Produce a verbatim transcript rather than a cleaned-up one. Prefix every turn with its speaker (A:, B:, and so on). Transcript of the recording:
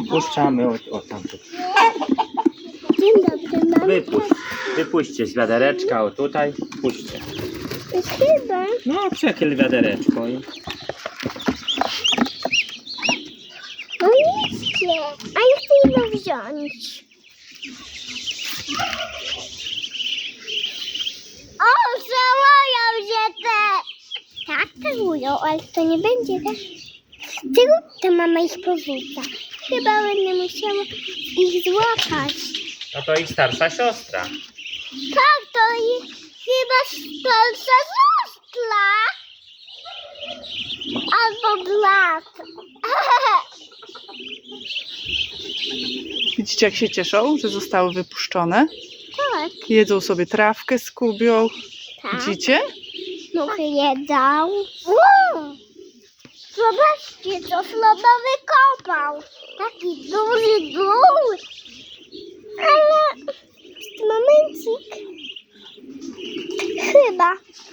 A: Wypuszczamy, o, o tam.
B: Dzień dobry, mamy
A: Wypuść. Wypuśćcie z wiadereczka, o tutaj. Puśćcie.
B: chyba.
A: No, przechyl wiadereczko. i-
B: No idźcie, a ja chcę jedno wziąć. O, załają się te. Tak, całują, ale to nie będzie tak. Z tyłu to mama ich porzuca. Chyba będę musiała ich złapać.
A: No to ich starsza siostra.
B: Tak, to ich chyba starsza siostra. Albo brat.
C: Widzicie, jak się cieszą, że zostały wypuszczone?
B: Tak,
C: Jedzą sobie trawkę, skubią.
B: tak.
C: Widzicie?
B: Muchy jedzą. Wow. Zobaczcie, co Sloba wykopał. Taki duży dół. Ale momencik. Chyba